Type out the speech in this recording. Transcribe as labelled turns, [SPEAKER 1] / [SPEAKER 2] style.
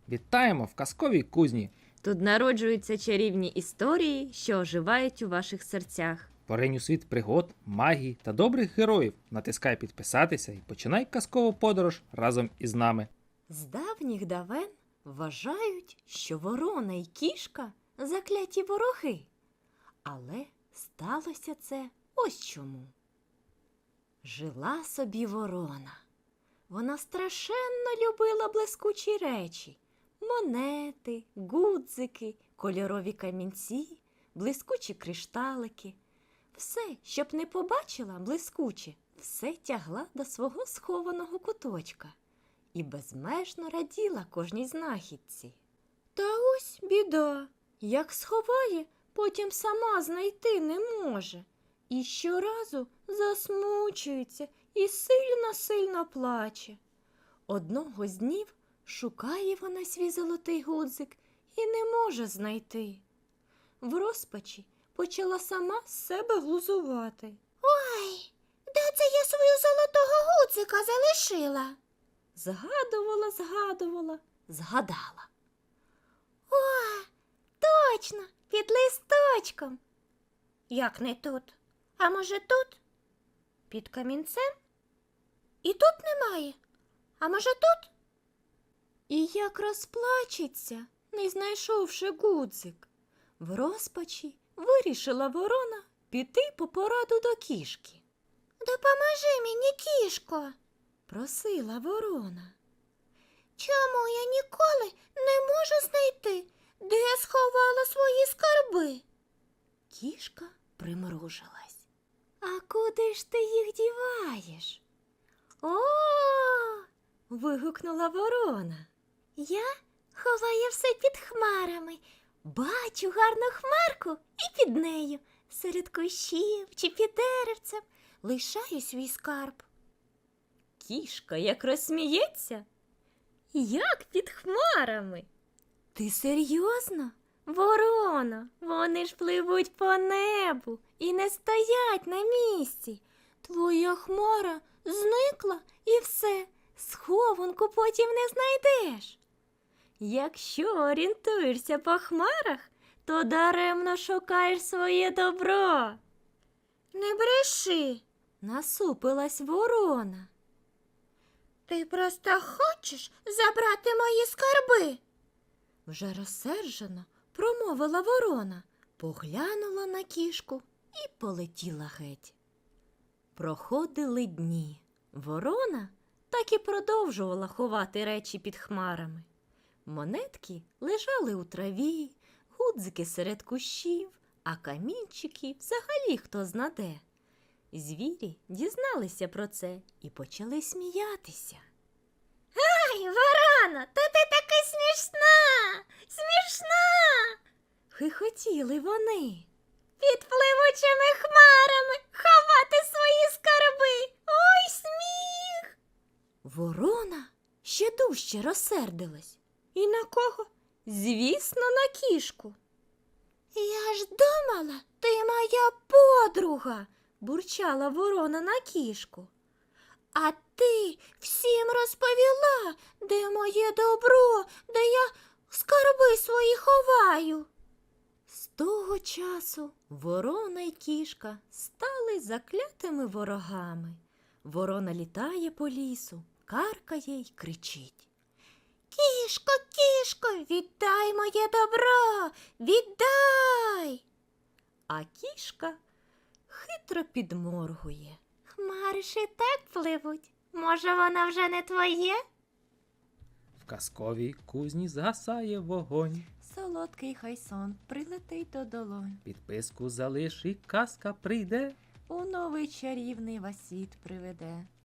[SPEAKER 1] Вітаємо в казковій кузні!
[SPEAKER 2] Тут народжуються чарівні історії, що оживають у ваших серцях.
[SPEAKER 1] Поринь у світ пригод, магії та добрих героїв. Натискай підписатися і починай казкову подорож разом із нами.
[SPEAKER 2] З давніх давен вважають, що ворона й кішка – закляті вороги. Але сталося це ось чому. Жила собі ворона. Вона страшенно любила блискучі речі – монети, гудзики, кольорові камінці, блискучі кришталики. Все, щоб не побачила блискуче, все тягла до свого схованого куточка і безмежно раділа кожній знахідці. Та ось біда, як сховає, потім сама знайти не може. І щоразу засмучується і сильно-сильно плаче. Одного з днів шукає вона свій золотий гудзик і не може знайти. В розпачі почала сама з себе глузувати.
[SPEAKER 3] Ой, де це я свою золотого гудзика залишила?
[SPEAKER 2] Згадала.
[SPEAKER 3] О, точно, під листочком. Як не тут? А може тут? Під камінцем? І тут немає. А може тут?
[SPEAKER 2] І як розплачеться, не знайшовши гудзик. В розпачі вирішила ворона піти по пораду до кішки.
[SPEAKER 3] Допоможи мені, кішко.
[SPEAKER 2] Просила ворона.
[SPEAKER 3] Чому я ніколи не можу знайти, де я сховала свої скарби?
[SPEAKER 2] Кішка примружилась. А куди ж ти їх діваєш? О! Вигукнула ворона.
[SPEAKER 3] Я ховаю все під хмарами. Бачу гарну хмарку і під нею, серед кущів чи під деревцем, лишаю свій скарб.
[SPEAKER 2] Кішка як розсміється. Як під хмарами? Ти серйозно? Ворона, вони ж пливуть по небу і не стоять на місці. Твоя хмара зникла і все, схованку потім не знайдеш. Якщо орієнтуєшся по хмарах, то даремно шукаєш своє добро.
[SPEAKER 3] Не бреши.
[SPEAKER 2] Насупилась ворона.
[SPEAKER 3] Ти просто хочеш забрати мої скарби?
[SPEAKER 2] Вже розсержено промовила ворона, поглянула на кішку і полетіла геть. Проходили дні. Ворона так і продовжувала ховати речі під хмарами. Монетки лежали у траві, гудзики серед кущів, а камінчики взагалі хто знаде. Звірі дізналися про це і почали сміятися.
[SPEAKER 3] Ай, ворона, та ти така смішна! Смішна!
[SPEAKER 2] Хихотіли вони.
[SPEAKER 3] Під пливучими хмарами ховати свої скарби! Ой, сміх!
[SPEAKER 2] Ворона ще дужче розсердилась. І на кого? Звісно, на кішку.
[SPEAKER 3] Я ж думала, ти моя подруга,
[SPEAKER 2] бурчала ворона на кішку.
[SPEAKER 3] а ти всім розповіла, де моє добро, де я скарби свої ховаю.
[SPEAKER 2] З того часу ворона й кішка стали заклятими ворогами. Ворона літає по лісу, каркає й кричить.
[SPEAKER 3] Кішко, кішко, віддай моє добро, віддай!
[SPEAKER 2] А кішка хитро підморгує.
[SPEAKER 3] Хмари ж і так пливуть. Може, воно вже не твоє?
[SPEAKER 1] В казковій кузні згасає вогонь.
[SPEAKER 2] Солодкий хай сон прилетить до долонь.
[SPEAKER 1] Підписку залиш і казка прийде.
[SPEAKER 2] У новий чарівний вас світ приведе.